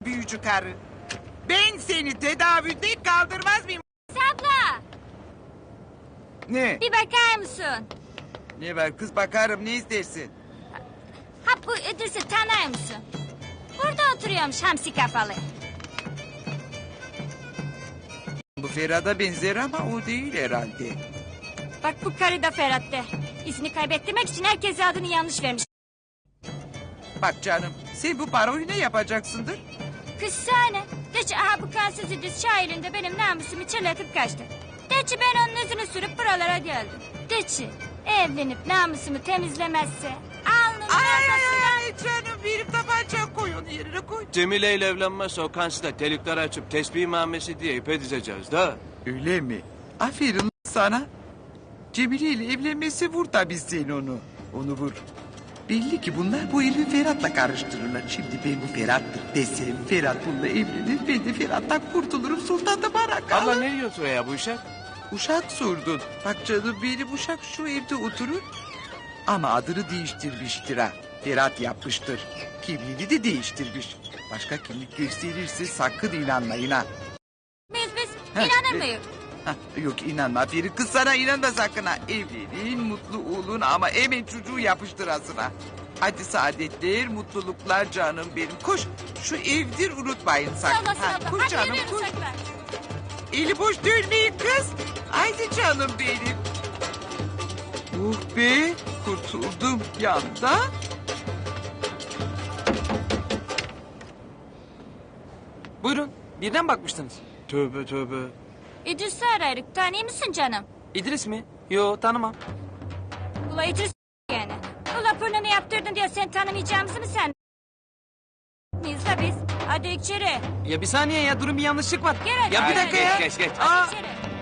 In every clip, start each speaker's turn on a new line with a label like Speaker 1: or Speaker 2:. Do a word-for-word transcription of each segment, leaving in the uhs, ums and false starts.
Speaker 1: büyücü karı. Ben seni tedavülde kaldırmaz mıyım?
Speaker 2: Abla
Speaker 1: Ne?
Speaker 2: bir bakar mısın?
Speaker 1: Ne var kız, bakarım, ne istersin?
Speaker 2: Ha bu İdris'i tanır mısın? Burada oturuyormuş hamsi kafalı.
Speaker 1: Bu Ferhat'a benzer ama o değil herhalde.
Speaker 2: Bak bu karı da Ferhat'te. İzini kaybettirmek için herkese adını yanlış vermiş.
Speaker 1: Bak canım, sen bu paroyu ne yapacaksındır?
Speaker 2: Kız sahne. De ki aha bu kansız İdris şairinde benim namusumu çırlatıp kaçtı. De ki ben onun yüzünü sürüp buralara geldim. De ki evlenip namusumu temizlemezse alnımın
Speaker 1: Ay ay
Speaker 2: ortasına...
Speaker 1: ay canım, benim tabancayı koy, onu yerine koy.
Speaker 3: Cemile ile evlenmezse o kansı da delikler açıp tesbih mamesi diye ipe dizeceğiz da.
Speaker 1: Öyle mi? Aferin sana. Cemile ile evlenmesi, vur tabii sen onu. Onu vur. Belli ki bunlar bu herifi Ferhat'la karıştırırlar. Şimdi ben bu Ferhat'tır desem, Ferhat bununla evlenir, ben de Ferhat'tan kurtulurum, sultan da bana kalır.
Speaker 3: Abla ne diyorsun ya bu işe?
Speaker 1: Uşak sordun. Bak canım, benim uşak şu evde oturur. Ama adını değiştirmiştir ha. Ferhat yapmıştır. Kimliğini de değiştirmiş. Başka kimlik gösterirse sakın inanmayın ha.
Speaker 2: Biz biz
Speaker 1: Heh,
Speaker 2: inanır
Speaker 1: e-
Speaker 2: mıyız?
Speaker 1: Hah, yok inanma Feri, kız sana inanma sakın ha. Evlenin, mutlu olun ama hemen çocuğu yapıştırasın ha. Hadi saadetler, mutluluklar canım benim. Koş, şu evdir unutmayın
Speaker 2: Sağ
Speaker 1: sakın.
Speaker 2: olasın
Speaker 1: Ha,
Speaker 2: abla.
Speaker 1: koş
Speaker 2: Hadi
Speaker 1: canım,
Speaker 2: yürüyoruz
Speaker 1: koş.
Speaker 2: tekrar.
Speaker 1: Eli boş dönmeyin kız. Haydi canım benim. Uh be, kurtuldum yanda.
Speaker 4: Buyurun, birden bakmıştınız.
Speaker 3: Tövbe tövbe.
Speaker 2: İdris'i arayırık. Tanıyor musun canım?
Speaker 4: İdris mi? Yo, tanımam.
Speaker 2: Ula İdris yani. Ula burnunu yaptırdın diye sen tanımayacağımızı mı sen? Biz de biz. Hadi içeri.
Speaker 4: Ya bir saniye ya, durun bir yanlışlık var.
Speaker 2: Gel hadi.
Speaker 4: Ya bir
Speaker 2: gel
Speaker 4: dakika
Speaker 2: hadi.
Speaker 4: ya.
Speaker 3: Geç geç.
Speaker 4: Aa,
Speaker 2: Hadi içeri.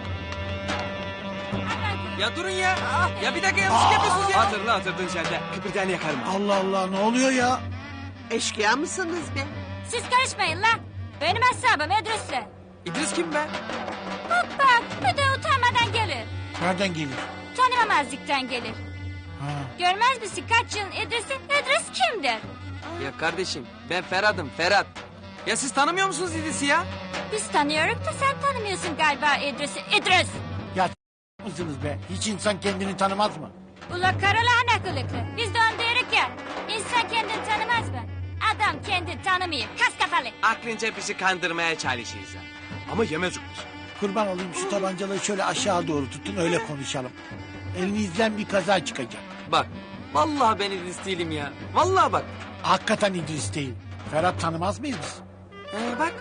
Speaker 2: Hadi.
Speaker 4: ya durun ya. Ya bir dakika yanlışlık yapıyorsunuz ya.
Speaker 3: Hatırla hatırladın sen de. Kıpırdayanı yakarım ha.
Speaker 5: Allah Allah, ne oluyor ya?
Speaker 6: Eşkıya mısınız be?
Speaker 2: Siz karışmayın la. Benim hesabım İdris'le.
Speaker 4: İdris kim be?
Speaker 2: Bak bak bir de utanmadan gelir.
Speaker 5: Nereden gelir?
Speaker 2: Tanımamazlıktan gelir.
Speaker 5: Ha.
Speaker 2: Görmez misin kaç yılın İdris'i? İdris kimdir?
Speaker 4: Ya kardeşim, ben Ferhat'ım, Ferhat. Ya siz tanımıyor musunuz İdris'i ya?
Speaker 2: Biz tanıyoruz da sen tanımıyorsun galiba İdris'i. İdris!
Speaker 5: Ya mısınız be? Hiç insan kendini tanımaz mı?
Speaker 2: Ula karalahana kılıklı. Biz de onu diyoruz ya. İnsan kendini tanımaz mı? Adam kendini tanımıyor. Kas kafalı.
Speaker 3: Aklınca bizi kandırmaya çalışıyoruz ha. Ama yemez olmuş.
Speaker 5: Kurban olayım, şu tabancaları şöyle aşağı doğru tutun, öyle konuşalım. Elinizden bir kaza çıkacak.
Speaker 4: Bak, vallahi ben İdris değilim ya. Vallahi bak.
Speaker 5: Hakikaten İdris değil. Ferhat tanımaz mıyız biz?
Speaker 4: Ee, bak.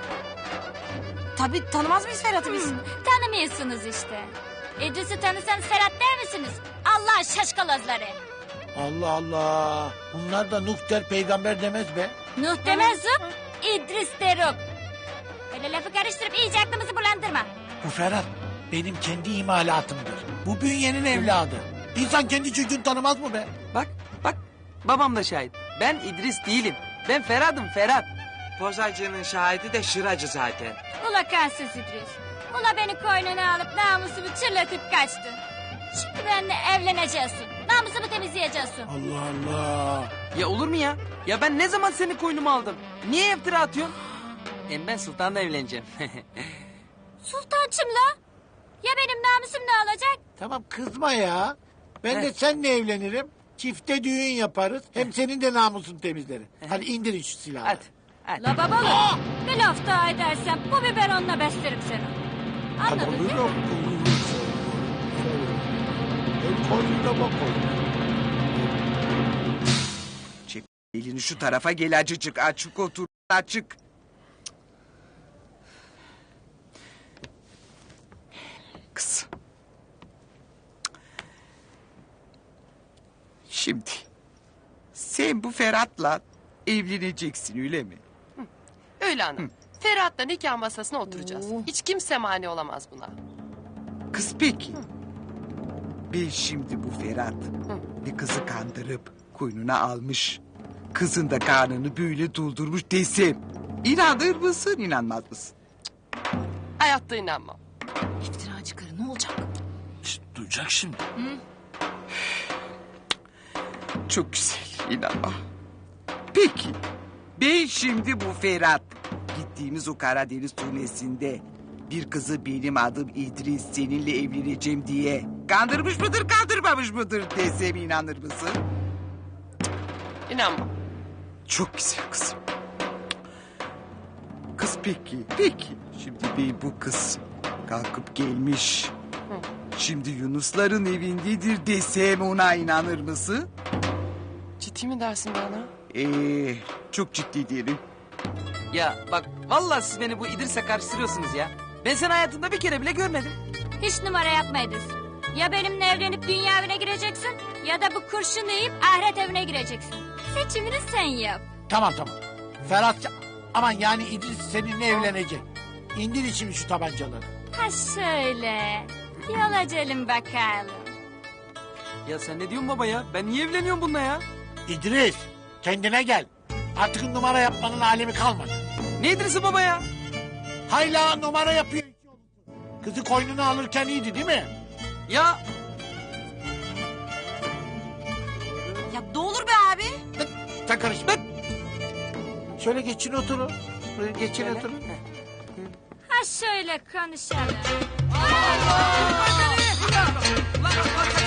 Speaker 7: Tabii tanımaz mıyız Ferhat'ı biz?
Speaker 2: Hmm, tanımıyorsunuz işte. İdris'i tanısanız Ferhat der misiniz? Allah şaşkalozları.
Speaker 5: Allah Allah. Bunlar da Nuh der, peygamber demez be.
Speaker 2: Nuh demez zıp, İdris derim. Öyle lafı karıştırıp iyice aklımızı bulandırma.
Speaker 5: Bu Ferhat benim kendi imalatımdır. Bu bünyenin evladı. İnsan kendi çocuğunu tanımaz mı be?
Speaker 4: Bak, bak. Babam da şahit. Ben İdris değilim. Ben Ferhat'ım, Ferhat.
Speaker 3: Pozacının şahidi de şıracı zaten.
Speaker 2: Ula kansız İdris. Ula beni koynuna alıp namusumu çırlatıp kaçtı. Şimdi benimle evleneceksin. Namusumu temizleyeceksin.
Speaker 5: Allah Allah.
Speaker 4: Ya olur mu ya? Ya ben ne zaman seni koynuma aldım? Niye iftira atıyorsun? Hem ben Sultan'la evleneceğim.
Speaker 2: Sultançım la. Ya benim namusum ne olacak?
Speaker 5: Tamam, kızma ya. Ben de seninle evlenirim. Çifte düğün yaparız. Hem senin de namusun temizlerim. Hadi indirin şu silahı.
Speaker 4: Hadi. Hadi.
Speaker 2: La babalı. Bir laf daha edersen bu biberonla beslerim seni. Anladın değil mi?
Speaker 5: El koynuna bak koynuna.
Speaker 1: Çek elini şu tarafa, gel acıcık, açık otur, açık. Kız. Şimdi sen bu Ferhat'la evleneceksin, öyle mi?
Speaker 7: Öyle hanım. Ferhat'la nikah masasına oturacağız. Hiç kimse mani olamaz buna.
Speaker 1: Kız peki. Ben şimdi bu Ferhat bir kızı kandırıp koynuna almış. Kızın da karnını böyle doldurmuş desem, İnanır mısın, inanmaz mısın?
Speaker 7: Hayatta inanmam. İftiracı karı ne olacak?
Speaker 5: Şşt, duyacak şimdi.
Speaker 1: Çok güzel, inanma. Peki, ben şimdi bu Ferhat gittiğimiz o Karadeniz turnesinde bir kızı benim adım İdris seninle evleneceğim diye kandırmış mıdır kandırmamış mıdır desem inanır mısın?
Speaker 7: İnanma.
Speaker 1: Çok güzel kızım. Kız peki, peki. Şimdi bey bu kız kalkıp gelmiş. Şimdi Yunusların evindedir desem ona inanır mısın?
Speaker 7: Ciddi mi dersin bana?
Speaker 1: Ee, çok ciddi diyelim.
Speaker 4: Ya bak vallahi siz beni bu İdris'e karıştırıyorsunuz ya. Ben seni hayatımda bir kere bile görmedim.
Speaker 2: Hiç numara yapmaydınız. Ya benimle evlenip dünya evine gireceksin ya da bu kurşunu yiyip ahiret evine gireceksin. Seçimini sen yap.
Speaker 5: Tamam tamam. Ferhat aman yani İdris seninle evlenecek. İndir için şu tabancaları.
Speaker 2: Ha şöyle. Yol açalım bakalım.
Speaker 4: Ya sen ne diyorsun baba ya? Ben niye evleniyorum bununla ya?
Speaker 5: İdris kendine gel. Artık numara yapmanın alemi kalmadı.
Speaker 4: Ne İdris'i baba ya?
Speaker 5: Hayla numara yapıyor. Kızı koynuna alırken iyiydi değil mi?
Speaker 4: Ya
Speaker 8: Ya ne olur be abi.
Speaker 5: Sen karışma. Şöyle geçin oturun. Böyle geçin oturun.
Speaker 2: Ha şöyle konuşalım.
Speaker 4: Allah!